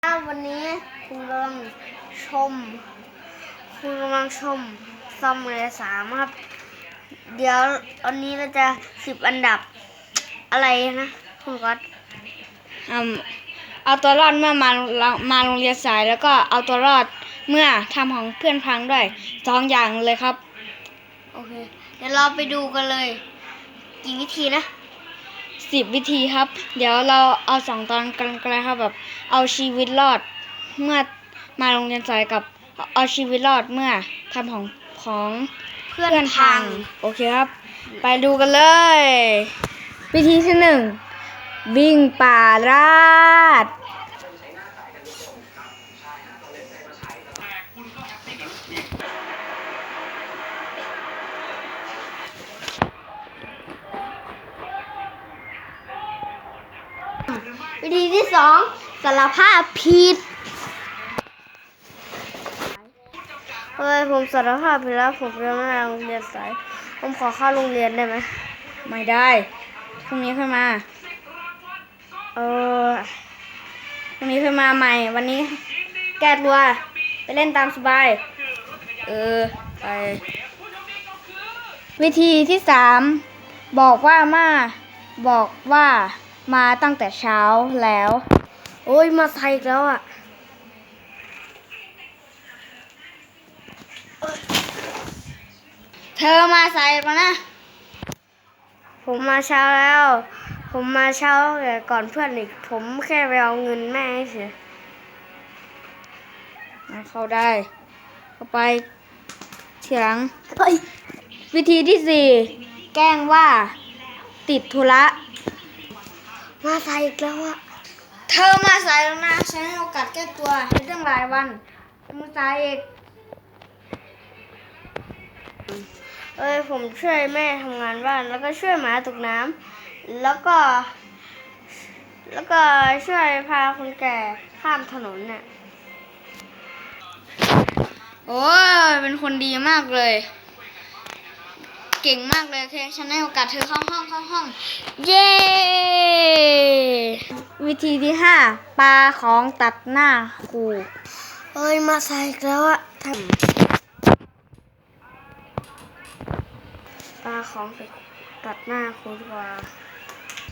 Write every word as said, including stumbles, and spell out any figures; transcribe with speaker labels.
Speaker 1: วันนี้คุณกำลังชม คุณกำลังชมซัมเมอร์สามครับ เดี๋ยววันนี้เราจะสิบอันดับอะไรนะคุณก๊อต
Speaker 2: อืมเอาตัวรอดเมื่อมามาโรงเรียนสายแล้วก็เอาตัวรอดเมื่อทำของเพื่อนพังด้วยสองอย่างเลยครับ
Speaker 1: โอเคเดี๋ยวเราไปดูกันเลยกี่วิธีนะ
Speaker 2: สิบวิธีครับเดี๋ยวเราเอาสองตอนกันกันเลยครับแบบเอาชีวิตรอดเมื่อมาโรงเรียนสายกับเอาชีวิตรอดเมื่อทำของของเพื่อนพังโอเคครับไปดูกันเลยวิธีที่หนึ่งวิ่งป่าราด
Speaker 1: วิธีที่สองสารภาพผิดเฮ้ยผมสารภาพผิดแล้วผมยังไม่มาโรงเรียนสายผมขอเข้าโรงเรียนได้ไหม
Speaker 2: ไม่ได้พรุ่งนี้ค่อยมา
Speaker 1: เออ
Speaker 2: พรุ่งนี้ค่อยมาใหม่วันนี้แก้ตัวไปเล่นตามสบายเออไปวิธีที่สามบอกว่ามาบอกว่ามาตั้งแต่เช้าแล้ว
Speaker 1: โอ้ยมาใส่แล้วอ่ะ
Speaker 2: เธอมาใส่มานะ
Speaker 1: ผมมาเช้าแล้วผมมาเช้าแต่ก่อนเพื่อนอีกผมแค่ไปเอาเงินแม่เฉย
Speaker 2: เข้าได้เข้าไปเถียงวิธีที่สี่แกล้งว่าติดธุระ
Speaker 1: มาใส่อีกแล้วอ่ะ
Speaker 2: เธอมาสายแล้วนะฉันให้โอกาสแก้ตัวเป็นเรื่องหลายวันมาสายอีก
Speaker 1: เอ้ยผมช่วยแม่ทำงานบ้านแล้วก็ช่วยหมาตกน้ำแล้วก็แล้วก็ช่วยพาคนแก่ข้ามถนนน่ะ
Speaker 2: โอ้ยเป็นคนดีมากเลยเก่งมากเลยโอเคฉันให้โอกาสเธอเข้าห้องเข้าห้องเย้วิธีที่ห้าปาของตัดหน้าครู
Speaker 1: เอ้ยมาใส่อีกแล้วอะทำปลาของตัดหน้าครูดีกว่า